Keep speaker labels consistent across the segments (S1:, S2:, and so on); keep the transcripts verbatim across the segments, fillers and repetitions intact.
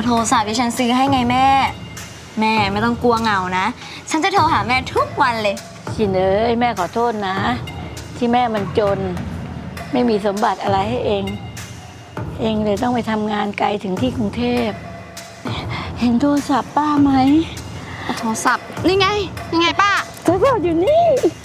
S1: โทรศัพท์ที่ฉันซื้อให้ไงแม่แม่ไม่ต้องกลัวเหงานะฉันจะโทรหาแม่ทุกวันเลย
S2: ชินเอ้ยแม่ขอโทษนะที่แม่มันจนไม่มีสมบัติอะไรให้เองเองเลยต้องไปทำงานไกลถึงที่กรุงเทพเห็นโทรศัพท์ป้าไหม
S1: โทรศัพท์นี่ไงนี่ไงป้า
S2: โทรศัพท์อยู่นี่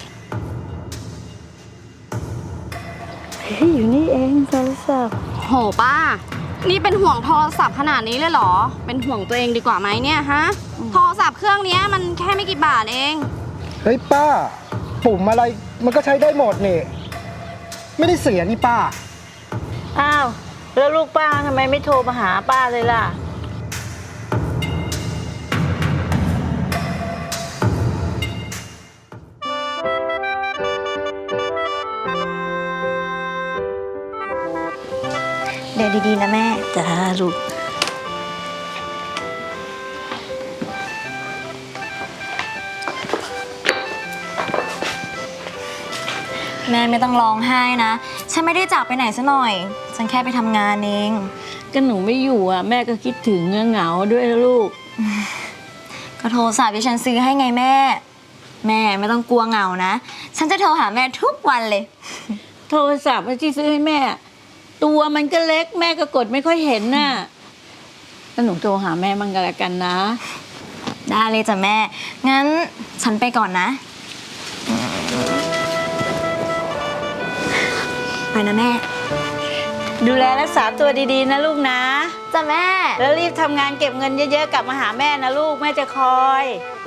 S2: อยู่นี่เองโทรศัพท์
S1: โหป้านี่เป็นห่วงโทรศัพท์ขนาดนี้เลยเหรอเป็นห่วงตัวเองดีกว่าไหมเนี่ยฮะโทรศัพท์เครื่องนี้มันแค่ไม่กี่บาทเอง
S3: เฮ้ยป้าปุ่มอะไรมันก็ใช้ได้หมดนี่ไม่ได้เสียนี่ป้า
S2: อ้าวแล้วลูกป้าทำไมไม่โทรมาหาป้าเลยล่ะ
S1: เดี๋ยวดีๆนะแม่
S2: จ้าลูก
S1: แม่ไม่ต้องร้องไห้นะฉันไม่ได้จากไปไหนซะหน่อยฉันแค่ไปทำงานเอง
S2: ก็หนูไม่อยู่อ่ะแม่ก็คิดถึงเหงาด้วยลูก
S1: ก็โทรศัพท์ที่ฉันซื้อให้ไงแม่แม่ไม่ต้องกลัวเหงานะฉันจะโทรหาแม่ทุกวันเลย
S2: โทรศัพท์ที่ซื้อให้แม่ตัวมันก็เล็กแม่ก็กดไม่ค่อยเห็นน่ะแล้วหนูโทรหาแม่มั่งก็แล้วกันนะ
S1: ได้เลยจ้ะแม่งั้นฉันไปก่อนนะไปนะแม่
S2: ดูแลรักษาตัวดีๆนะลูกนะ
S1: จ้ะแม่
S2: แล้วรีบทำงานเก็บเงินเยอะๆกลับมาหาแม่นะลูกแม่จะคอย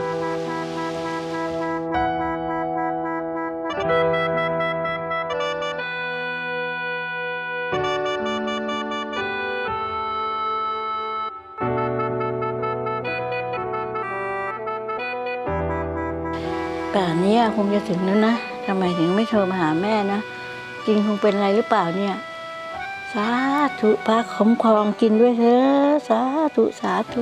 S2: ป่านนี้คงจะถึงแล้วนะทำไมถึงไม่โทรมาหาแม่นะจริงคงเป็นอะไรหรือเปล่าเนี่ยสาธุพระคุ้มครองกินด้วยเถอะสาธุสาธุ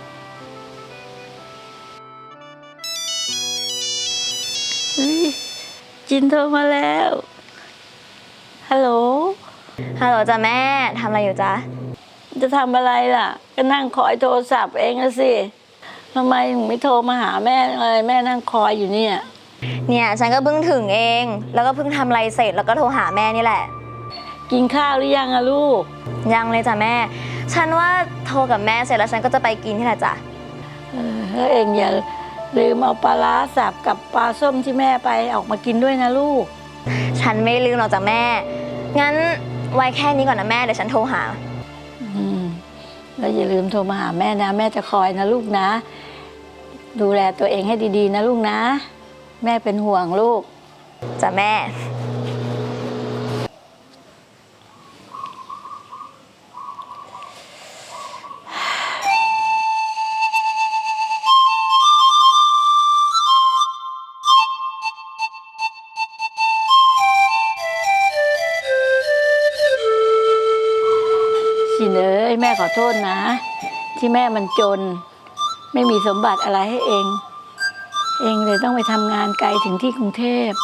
S2: จินโทรมาแล้วฮัลโหล
S1: ฮัลโหลจ้ะแม่ทำอะไรอยู่จ๊ะ
S2: จะทำอะไรล่ะก็นั่งคอยโทรศัพท์เองนะสิทำไมถึงไม่โทรมาหาแม่เลยแม่นั่งคอยอยู่เนี่ย
S1: เนี่ยฉันก็เพิ่งถึงเองแล้วก็เพิ่งทำอะไรเสร็จแล้วก็โทรหาแม่นี่แหละ
S2: กินข้าวหรือยังอะลูก
S1: ยังเลยจ้ะแม่ฉันว่าโทรกับแม่เสร็จแล้วฉันก็จะไปกินที่ไหนจ้ะ
S2: เออเองอย่าลืมเอาปลาร้าสับกับปลาส้มที่แม่ไปออกมากินด้วยนะลูก
S1: ฉันไม่ลืมหรอกจ้ะแม่งั้นไว้แค่นี้ก่อนนะแม่เดี๋ยวฉันโทรหา
S2: อืมแล้วอย่าลืมโทรมาหาแม่นะแม่จะคอยนะลูกนะดูแลตัวเองให้ดีๆนะลูกนะแม่เป็นห่วงลูก
S1: จ้ะแม่
S2: ชินเอ้ยแม่ขอโทษนะที่แม่มันจนไม่มีสมบัติอะไรให้เองเองเลยต้องไปทำงานไกลถึงที่กรุงเทพ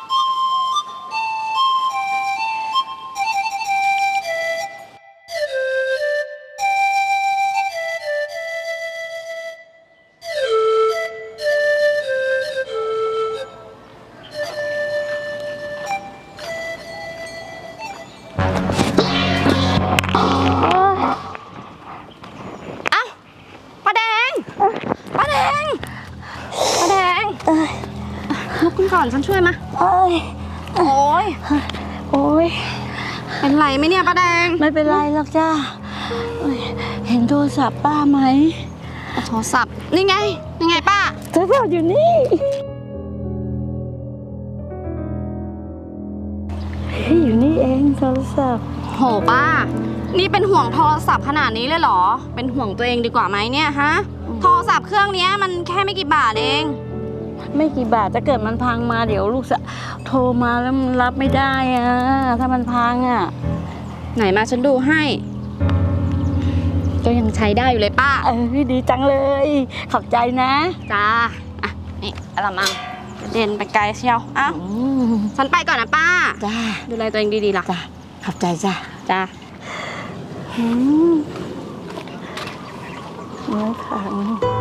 S1: ลุกขึ้นก่อนฉันช่วยมาโอ้ยโอ้ย
S2: โอ้ย
S1: เป็นไรไหมเนี่ยป้าแดง
S2: ไม่เป็นไรหรอกจ้าเห็นโทรศัพท์ป้าไหม
S1: โทรศัพท์นี่ไงนี่ไงป้า
S2: โทรศัพท์อยู่นี่อยู่นี่เองโทรศัพท์
S1: โหป้านี่เป็นห่วงโทรศัพท์ขนาดนี้เลยเหรอเป็นห่วงตัวเองดีกว่าไหมเนี่ยฮะโทรศัพท์เครื่องนี้มันแค่ไม่กี่บาทเอง
S2: ไม่กี่บาทถ้าเกิดมันพังมาเดี๋ยวลูกจะโทรมาแล้วมันรับไม่ได้อะถ้ามันพังอะ
S1: ไหนมาฉันดูให้ก็ยังใช้ได้อยู่เลยป้า
S2: เออดีจังเลยขอบใจนะ
S1: จ้าอ่ะนี่อะไรมั่งเดินไปไกลเชียวอ้าวฉันไปก่อนนะป้า
S2: จ้า
S1: ดูแลตัวเองดีๆล่ะ
S2: จ้าขอบใจจ้า
S1: จ้า
S2: น้ำขัง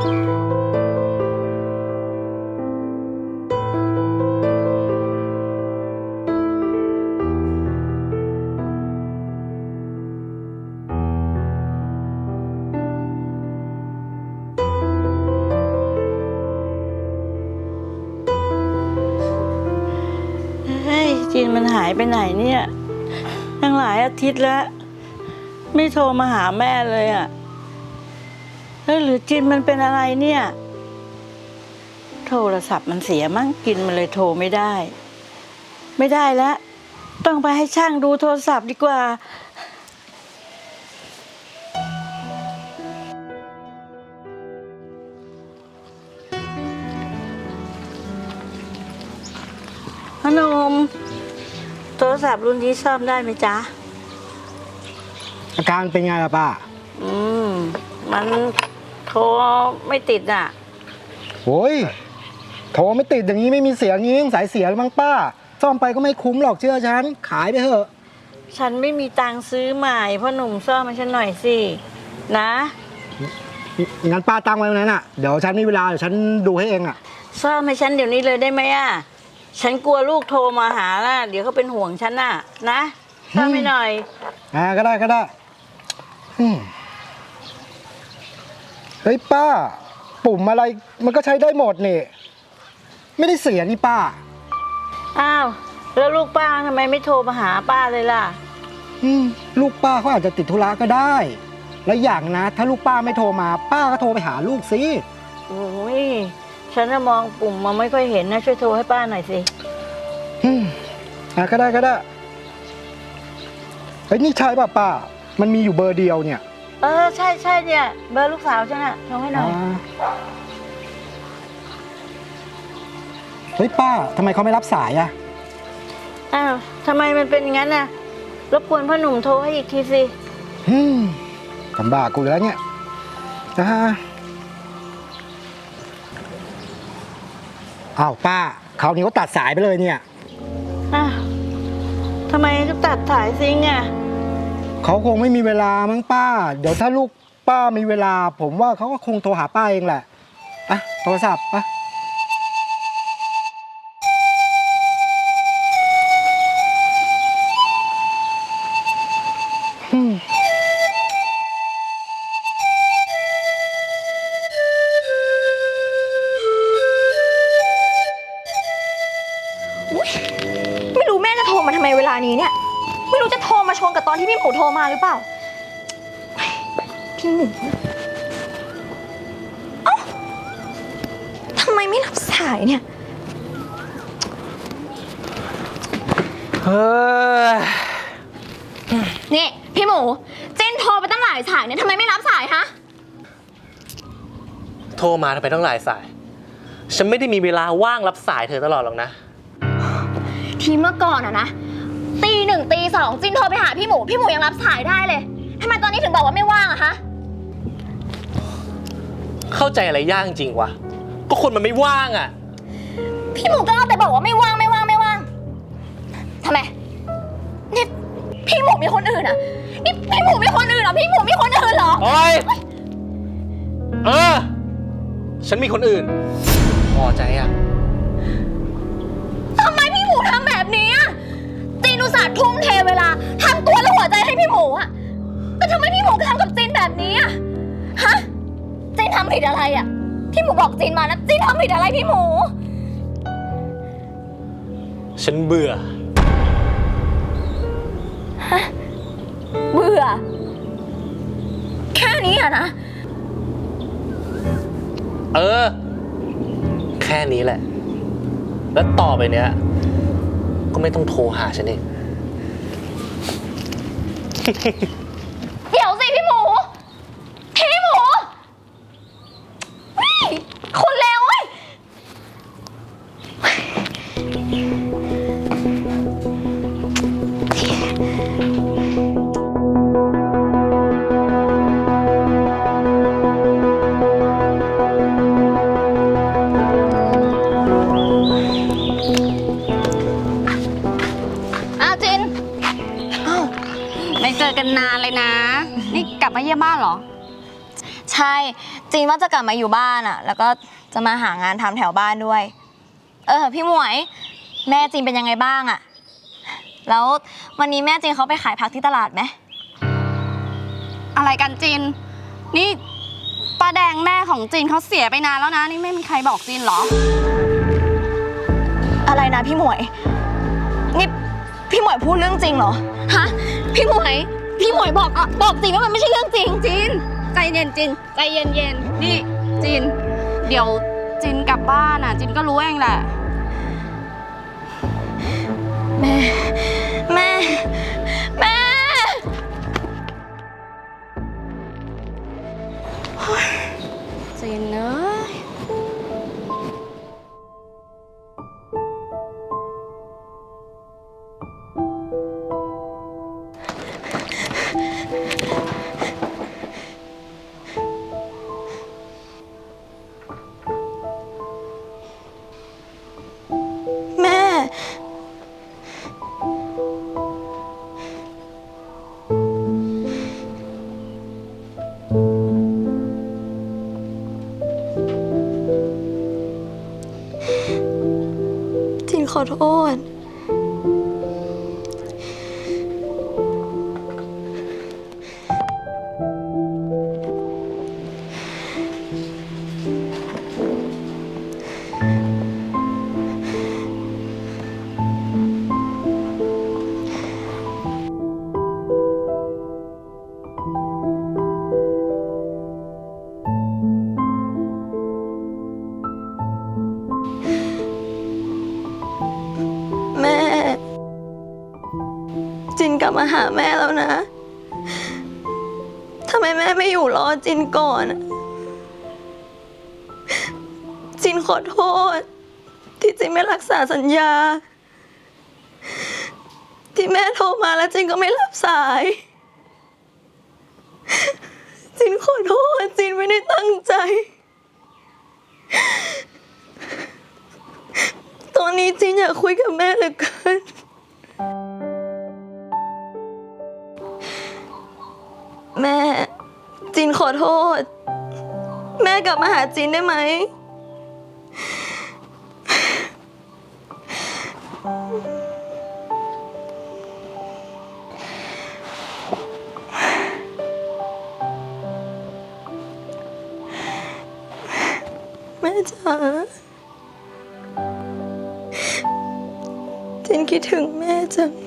S2: เฮ้ยจีนมันหายไปไหนเนี่ยตั้งหลายอาทิตย์แล้ว ไม่โทรมาหาแม่เลยอ่ะเฮ้ยหรือจินมันเป็นอะไรเนี่ยโทรศัพท์มันเสียมั้งกินมันเลยโทรไม่ได้ ไม่ได้แล้วต้องไปให้ช่างดูโทรศัพท์ดีกว่าพนมโทรศัพท์รุ่นนี้ซ่อมได้ไหมจ๊ะ
S3: อาการเป็นไงล่ะป้า
S2: อืมมันโทรไม่ติดอ่ะ
S3: โอ้ยโทรไม่ติดอย่างนี้ไม่มีเสียงงี้สายเสียมั้งป้าซ่อมไปก็ไม่คุ้มหรอกเชื่อฉันขายไปเถอะ
S2: ฉันไม่มีตังค์ซื้อใหม่พ่อหนุ่มซ่อมมาฉันหน่อยสินะ
S3: งั้นป้าตั้งไว้ตรงนั้นอ่ะเดี๋ยวฉันมีเวลาเดี๋ยวฉันดูให้เองอ่ะ
S2: ซ่อมให้ฉันเดี๋ยวนี้เลยได้ไหมอ่ะฉันกลัวลูกโทรมาหาล่ะเดี๋ยวเขาเป็นห่วงฉันน่ะนะซ่อมให้หน่อย
S3: อ่าก็ได้ก็ได้อืมเฮ้ยป้า ปุ่มอะไรมันก็ใช้ได้หมดนี่ไม่ได้เสียนี่ป้า
S2: อ้าวแล้วลูกป้าทำไมไม่โทรมาหาป้าเลยล่ะ
S3: อืมลูกป้าเขาอาจจะติดธุระก็ได้ และอย่างนะ ถ้าลูกป้าไม่โทรมา ป้าก็โทรไปหาลูกสิ
S2: โอ้ยฉันน่ะมองปุ่มมาไม่ค่อยเห็นนะช่วยโทรให้ป้าหน่อยสิ
S3: อืมอ่ะก็ได้ก็ได้เฮ้ยนี่ใช่ป่ะป้า มันมีอยู่เบอร์เดียวเนี่ย
S2: เออใช่ใช่เนี่ยเบอร์ลูกสาวฉันน่ะโทรให้หน่อย
S3: อ่าเฮ้ยป้าทำไมเขาไม่รับสายอะ
S2: อ้าวทำไมมันเป็นอย่างนั้นน่ะรบกวนพ่อหนุ่มโทรให้อีกทีสิ
S3: อืมลำบากกูอยู่แล้วเนี่ยอ่าอ้าวป้าคราวนี้เขาตัดสายไปเลยเนี่ย
S2: อ้าวทำไมต้องตัดสายซิงอ่ะ
S3: เขาคงไม่มีเวลามั้งป้า เดี๋ยวถ้าลูกป้ามีเวลา ผมว่าเขาก็คงโทรหาป้าเองแหละอ่ะโทรศัพท์ป่ะอืม
S4: ไม่รู้แม่จะโทรมาทำไมเวลานี้เนี่ย ไม่รู้จะโทรมาชนกับตอนที่พี่หมูโทรมาหรือเปล่า พี่หมูเอ้าทำไมไม่รับสายเนี่ย
S5: เฮ้ย
S4: นี่พี่หมูเจนโทรไปตั้งหลายสายเนี่ยทำไมไม่รับสายฮะ
S5: โทรมาทำไมต้องหลายสาย ฉันไม่ได้มีเวลาว่างรับสายเธอตลอดหรอกนะ
S4: ทีเมื่อก่อนอะนะตีหนึ่งตีสองจินโทรไปหาพี่หมูพี่หมูยังรับสายได้เลยทำไมตอนนี้ถึงบอกว่าไม่ว่างอะคะ
S5: เข้าใจอะไรยากจริงวะ ก็คนมันไม่ว่างอ่ะ
S4: พี่หมูก็เอาแต่บอกว่าไม่ว่างไม่ว่างไม่ว่างทำไมนี่พี่หมูมีคนอื่นอะนี่พี่หมูมีคนอื่นเหรอพี่หมูมีคนอื่นเหรอ
S5: โอ๊ย เออ ฉันมีคนอื่น พอใจอ่ะ
S4: ทำไมพี่หมูทำแบบนี้อะจีนอุตส่าห์ทุ่มเทเวลาทำตัวและหัวใจให้พี่หมูอะแต่ทำไมพี่หมูทำกับจีนแบบนี้อะฮะจีนทำผิดอะไรอะพี่หมูบอกจีนมานะจีนทำผิดอะไรพี่หมู
S5: ฉันเบื่อ
S4: เบื่อ แค่นี้อะนะ
S5: เออ แค่นี้แหละ แล้วต่อไปเนี้ย ก็ไม่ต้องโทรหาฉันเอง
S4: เดี๋ยวสิพี่หมู พี่หมูเฮ้ยคนเลวเว้ย อ้าวจิน
S1: ไม่เจอกันนานเลย
S4: ใช่ จีนว่าจะกลับมาอยู่บ้านอะแล้วก็จะมาหางานทำแถวบ้านด้วย เออพี่หมวย แม่จีนเป็นยังไงบ้างอะแล้ววันนี้แม่จีนเขาไปขายผักที่ตลาดไหม
S1: อะไรกันจิน นี่ป้าแดงแม่ของจินเขาเสียไปนานแล้วนะ นี่ไม่มีใครบอกจินเหรอ
S4: อะไรนะพี่หมวย นี่พี่หมวยพูดเรื่องจริงเหรอ ฮะ พี่หมวย พี่หมวยบอกอะบอกจริงว่ามันไม่ใช่เรื่องจริง
S1: จินใจเย็นจินใจเย็นเย็นๆนี่จิน เดี๋ยวจินกลับบ้านอ่ะ จินก็รู้เองแหละ
S4: แม่ แม่ แม่
S1: จินเนอะ
S4: แม่ จินขอโทษ แม่ จินกลับมาหาแม่แล้วนะ ทำไมแม่ไม่อยู่รอจินก่อนอะจินขอโทษ ที่จินไม่รักษาสัญญา ที่แม่โทรมาแล้วจินก็ไม่รับสาย จินขอโทษ จินไม่ได้ตั้งใจ ตอนนี้จินอยากคุยกับแม่เหลือเกิน แม่ จินขอโทษ แม่กลับมาหาจินได้ไหม แม่จ๋า จินคิดถึงแม่จัง